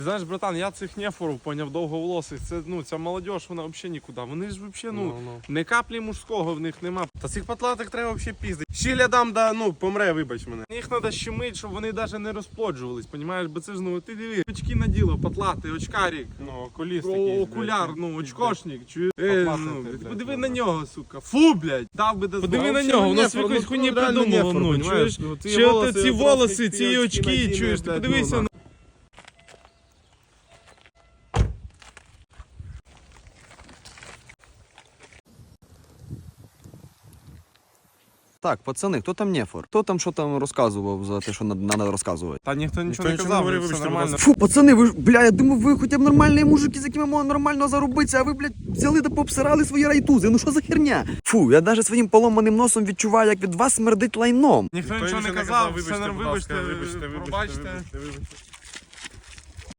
Знаєш, братан, я цих нефорів, поняв, довговолосих, це, ну, ця молодь, вона взагалі нікуди. Вони ж взагалі, ну, не каплі мужського в них нема. Та цих патлатих треба взагалі піздити. Щілядам, да, ну, помре, вибач мене. Їх треба щемить, щоб вони навіть не розплоджувались, понімаєш? Бо це ж, ну, ти диви, очки наділо, патлати, очкарик, ну, окуліст такий, окуляр, ну, очкошник, чуєш? Ну, подиви на нього, сука. Фу, блядь. Дав би до Подиви на нього, у нас якось хуйні придумало, ну, чуєш? Ще ці волоси, ці очки, чуєш? Ти подивися на... Так, пацани, хто там нефор? Хто там що там розказував за те, що треба розказувати? Та ніхто нічого не казав, говорив, все що нормально. Фу, пацани, ви ж, бля, я думав, ви хоча б нормальні мужики, з якими можна нормально заробитися, а ви, блядь, взяли та пообсирали свої райтузи. Ну що за херня? Фу, я навіть своїм поломаним носом відчуваю, як від вас смердить лайном. Ніхто нічого не казав, все нормально, вибачте, пробачте.